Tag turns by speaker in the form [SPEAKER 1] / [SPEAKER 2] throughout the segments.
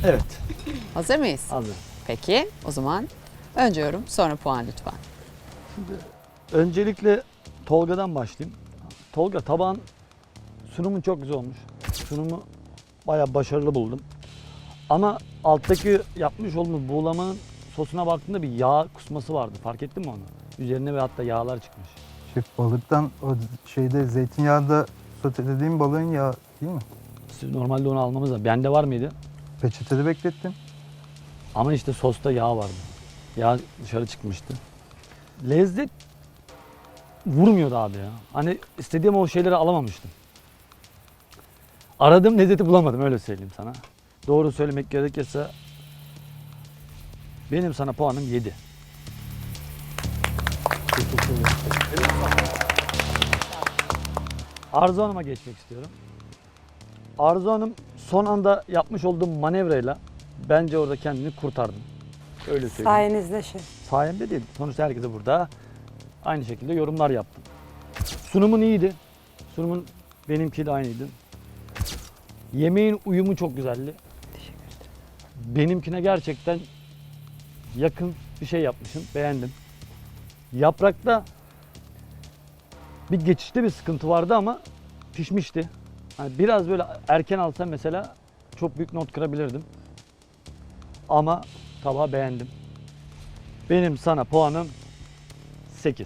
[SPEAKER 1] Evet.
[SPEAKER 2] Hazır mıyız?
[SPEAKER 1] Hazır.
[SPEAKER 2] Peki o zaman önce yorum sonra puan lütfen.
[SPEAKER 1] Öncelikle Tolga'dan başlayayım. Tolga, tabağın sunumun çok güzel olmuş. Sunumu bayağı başarılı buldum. Ama alttaki yapmış olduğumuz buğulamanın sosuna baktığında bir yağ kusması vardı. Fark ettin mi onu? Üzerine ve hatta yağlar çıkmış.
[SPEAKER 3] Şef, balıktan o şeyde zeytinyağında sotelediğim balığın yağı değil mi?
[SPEAKER 1] Siz normalde onu almamız lazım. Bende var mıydı?
[SPEAKER 3] Peçetede beklettim.
[SPEAKER 1] Ama işte sosta yağ vardı. Yağ dışarı çıkmıştı. Lezzet vurmuyordu abi ya. Hani istediğim o şeyleri alamamıştım. Aradığım lezzeti bulamadım, öyle söyleyeyim sana. Doğru söylemek gerekirse benim sana puanım 7. Arzu Hanım'a geçmek istiyorum. Arzu Hanım son anda yapmış olduğum manevrayla bence orada kendini kurtardım. Öyle söyleyeyim.
[SPEAKER 4] Sayenizde şef.
[SPEAKER 1] Sayemde değil. Sonuçta herkese burada aynı şekilde yorumlar yaptım. Sunumun iyiydi. Sunumun benimki de aynıydı. Yemeğin uyumu çok güzeldi.
[SPEAKER 4] Teşekkür ederim.
[SPEAKER 1] Benimkine gerçekten yakın bir şey yapmışsın. Beğendim. Yaprakta bir geçişte bir sıkıntı vardı ama pişmişti. Hani biraz böyle erken alsam mesela çok büyük not kırabilirdim. Ama tabağı beğendim. Benim sana puanım 8.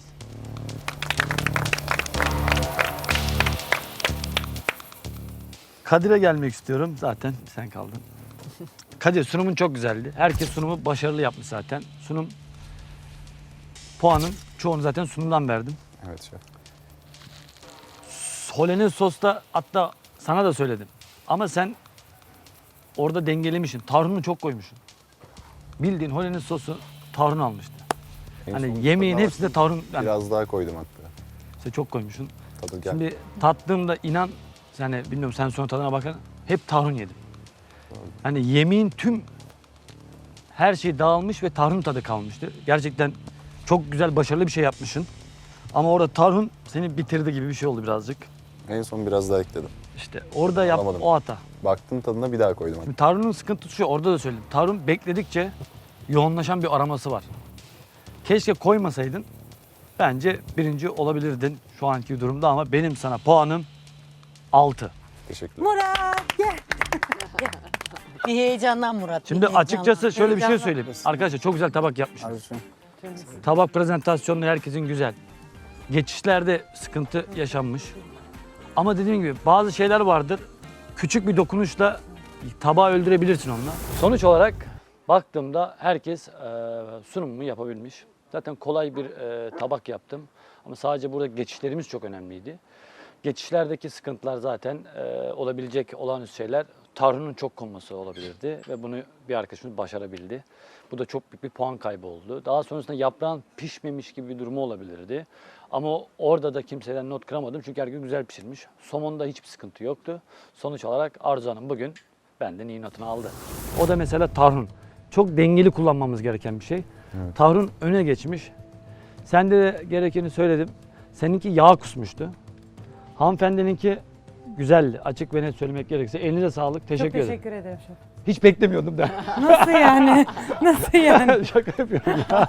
[SPEAKER 1] Kadir'e gelmek istiyorum. Zaten sen kaldın. Kadir, sunumun çok güzeldi. Herkes sunumu başarılı yapmış zaten. Sunum puanın çoğunu zaten sunumdan verdim.
[SPEAKER 5] Evet şef.
[SPEAKER 1] Hollandaise sosta hatta sana da söyledim. Ama sen orada dengelemişsin. Tarhunu çok koymuşsun. Bildiğin Hollandaise sosu tarhun almıştı.
[SPEAKER 5] En
[SPEAKER 1] Hani
[SPEAKER 5] son
[SPEAKER 1] yemeğin
[SPEAKER 5] tadına
[SPEAKER 1] hepsinde
[SPEAKER 5] bakayım.
[SPEAKER 1] tarhun, yani
[SPEAKER 5] Biraz daha koydum hatta.
[SPEAKER 1] işte çok koymuşsun.
[SPEAKER 5] Tadı gel.
[SPEAKER 1] Şimdi tattığımda inan, yani bilmiyorum sen sonra tadına bakın, hep tarhun yedim. Hani yemeğin tüm her şey dağılmış ve tarhun tadı kalmıştı. Gerçekten çok güzel, başarılı bir şey yapmışsın. Ama orada tarhun seni bitirdi gibi bir şey oldu birazcık.
[SPEAKER 5] En son biraz daha ekledim.
[SPEAKER 1] İşte orada yap
[SPEAKER 5] Alamadım.
[SPEAKER 1] o hata.
[SPEAKER 5] Baktım tadına bir daha koydum.
[SPEAKER 1] Şimdi tarhunun sıkıntısı şu, orada da söyledim. Tarhun bekledikçe yoğunlaşan bir aroması var. Keşke koymasaydın. Bence birinci olabilirdin şu anki durumda ama benim sana puanım 6.
[SPEAKER 5] Teşekkürler.
[SPEAKER 4] Murat gel.
[SPEAKER 6] Bir heyecandan Murat. bir
[SPEAKER 1] Şimdi
[SPEAKER 6] heyecandan.
[SPEAKER 1] açıkçası şöyle bir şey
[SPEAKER 6] Heyecandan.
[SPEAKER 1] söyleyeyim. Arkadaşlar çok güzel tabak yapmışsınız.
[SPEAKER 3] Arzucuğum.
[SPEAKER 1] Tabak prezentasyonları herkesin güzel. Geçişlerde sıkıntı yaşanmış. Ama dediğim gibi bazı şeyler vardır. Küçük bir dokunuşla tabağı öldürebilirsin onunla. Sonuç olarak baktığımda herkes sunumumu yapabilmiş. Zaten kolay bir tabak yaptım. Ama sadece burada geçişlerimiz çok önemliydi. Geçişlerdeki sıkıntılar zaten olabilecek olağanüstü şeyler. Tarhunun çok konması olabilirdi ve bunu bir arkadaşımız başarabildi. Bu da çok büyük bir puan kaybı oldu. Daha sonrasında yaprağın pişmemiş gibi bir durumu olabilirdi. Ama orada da kimseden not kıramadım çünkü herkes güzel pişirmiş. Somonda hiçbir sıkıntı yoktu. Sonuç olarak Arzu Hanım bugün benden iyi notunu aldı. O da mesela tarhun. Çok dengeli kullanmamız gereken bir şey.
[SPEAKER 5] Evet.
[SPEAKER 1] Tarhun öne geçmiş. Sen de gerekeni söyledim. Seninki yağ kusmuştu. Hanımefendininki güzeldi. Açık ve net söylemek gerekirse. Elinize sağlık. Teşekkür
[SPEAKER 4] Çok
[SPEAKER 1] ederim.
[SPEAKER 4] teşekkür ederim şef.
[SPEAKER 1] Hiç beklemiyordum da.
[SPEAKER 4] Nasıl yani? Nasıl yani?
[SPEAKER 1] Şaka yapıyorum ya.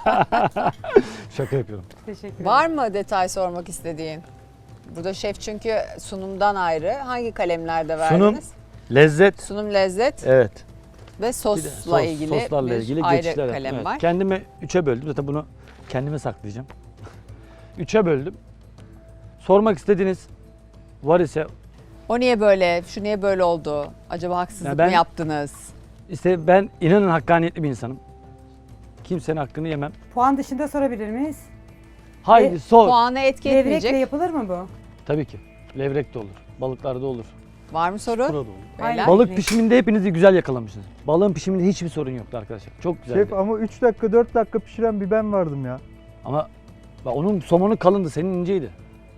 [SPEAKER 1] Şaka yapıyorum.
[SPEAKER 4] Teşekkür ederim.
[SPEAKER 2] Var mı detay sormak istediğin? Burada şef çünkü sunumdan ayrı. Hangi kalemlerde verdiniz?
[SPEAKER 1] Sunum, lezzet.
[SPEAKER 2] Sunum, lezzet
[SPEAKER 1] Evet.
[SPEAKER 2] ve
[SPEAKER 1] Bir de
[SPEAKER 2] sosla ilgili
[SPEAKER 1] soslarla
[SPEAKER 2] bir
[SPEAKER 1] ilgili
[SPEAKER 2] ayrı
[SPEAKER 1] geçişler.
[SPEAKER 2] kalem
[SPEAKER 1] Evet.
[SPEAKER 2] var.
[SPEAKER 1] Kendimi 3'e böldüm. Zaten bunu kendime saklayacağım. 3'e böldüm. Sormak istediğiniz var ise
[SPEAKER 2] O niye böyle, şu niye böyle oldu? Acaba haksızlık
[SPEAKER 1] Ya ben-
[SPEAKER 2] mı yaptınız?
[SPEAKER 1] işte ben inanın hakkaniyetli bir insanım. Kimsenin hakkını yemem.
[SPEAKER 4] Puan dışında sorabilir miyiz?
[SPEAKER 1] Haydi sor.
[SPEAKER 2] Puanı etki
[SPEAKER 4] Levrekle
[SPEAKER 2] etmeyecek.
[SPEAKER 4] yapılır mı bu?
[SPEAKER 1] Tabii ki. Levrek de olur. Balıklarda olur.
[SPEAKER 2] Var mı soru?
[SPEAKER 1] Burada da olur.
[SPEAKER 2] Beyler?
[SPEAKER 1] Balık pişiminde hepinizi güzel yakalamışsınız. Balığın pişiminde hiçbir sorun yoktu arkadaşlar. Çok güzeldi.
[SPEAKER 3] Şef, ama 3 dakika 4 dakika pişiren bir ben vardım ya.
[SPEAKER 1] Ama bak onun somonu kalındı, senin inceydi.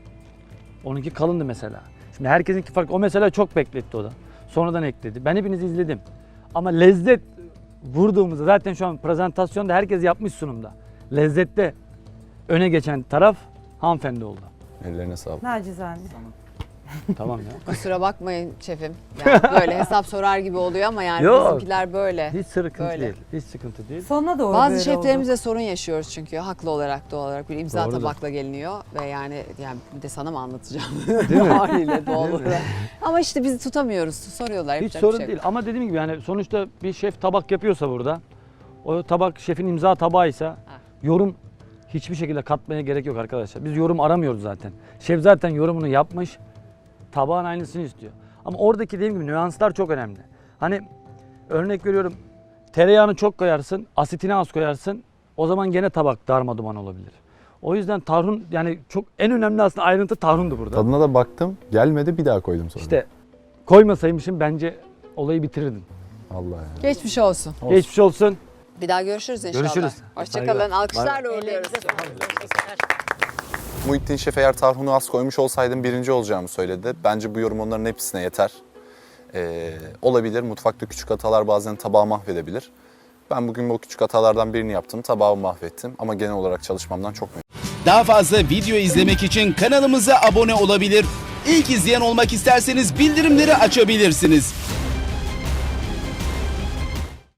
[SPEAKER 1] Onunki kalındı mesela. Şimdi herkesinki farklı. O mesela çok bekletti o da. Sonradan ekledi. Ben hepinizi izledim. Ama lezzet vurduğumuzda zaten şu an prezentasyonda herkes yapmış sunumda. Lezzette öne geçen taraf hanımefendi oldu.
[SPEAKER 5] Ellerine sağlık.
[SPEAKER 4] Nacizane.
[SPEAKER 1] Tamam ya.
[SPEAKER 2] Kusura bakmayın şefim. Yani böyle hesap sorar gibi oluyor ama yani
[SPEAKER 1] Yok.
[SPEAKER 2] bizimkiler böyle.
[SPEAKER 1] Hiç sıkıntı
[SPEAKER 2] Böyle.
[SPEAKER 1] değil. Hiç sıkıntı değil.
[SPEAKER 4] Sonuna doğru
[SPEAKER 2] Bazı
[SPEAKER 4] böyle
[SPEAKER 2] şeflerimizle sorun yaşıyoruz çünkü haklı olarak doğal olarak bir imza
[SPEAKER 1] Doğrudur.
[SPEAKER 2] tabakla geliniyor ve yani bir de sana mı anlatacağım?
[SPEAKER 1] Değil mi?
[SPEAKER 2] Haliyle doğal
[SPEAKER 1] Değil mi?
[SPEAKER 2] olarak. Ama işte bizi tutamıyoruz. Soruyorlar.
[SPEAKER 1] Hiç
[SPEAKER 2] yapacak
[SPEAKER 1] sorun
[SPEAKER 2] bir şey yok.
[SPEAKER 1] değil ama dediğim gibi yani sonuçta bir şef tabak yapıyorsa burada o tabak şefin imza tabağıysa yorum hiçbir şekilde katmaya gerek yok arkadaşlar. Biz yorum aramıyoruz zaten. Şef zaten yorumunu yapmış. Tabağın aynısını istiyor. Ama oradaki dediğim gibi nüanslar çok önemli. Hani örnek veriyorum tereyağını çok koyarsın, asitini az koyarsın. O zaman gene tabak darmaduman olabilir. O yüzden tarhun yani çok en önemli aslında ayrıntı tarhundu burada.
[SPEAKER 5] Tadına da baktım. Gelmedi, bir daha koydum sonra.
[SPEAKER 1] İşte koymasaymışım bence olayı bitirirdin.
[SPEAKER 5] Allah ya.
[SPEAKER 2] Geçmiş olsun.
[SPEAKER 1] Geçmiş olsun.
[SPEAKER 2] Bir daha görüşürüz inşallah.
[SPEAKER 1] Görüşürüz.
[SPEAKER 2] Hoşçakalın.
[SPEAKER 1] Saygılar.
[SPEAKER 2] Alkışlarla uğurluyoruz.
[SPEAKER 6] Ellerinize sağlık. Teşekkürler.
[SPEAKER 5] Muhittin Şef eğer tarhunu az koymuş olsaydım birinci olacağımı söyledi. Bence bu yorum onların hepsine yeter. Olabilir. Mutfakta küçük hatalar bazen tabağı mahvedebilir. Ben bugün bu küçük hatalardan birini yaptım. Tabağı mahvettim ama genel olarak çalışmamdan çok memnunum.
[SPEAKER 7] Daha fazla video izlemek için kanalımıza abone olabilir. İlk izleyen olmak isterseniz bildirimleri açabilirsiniz.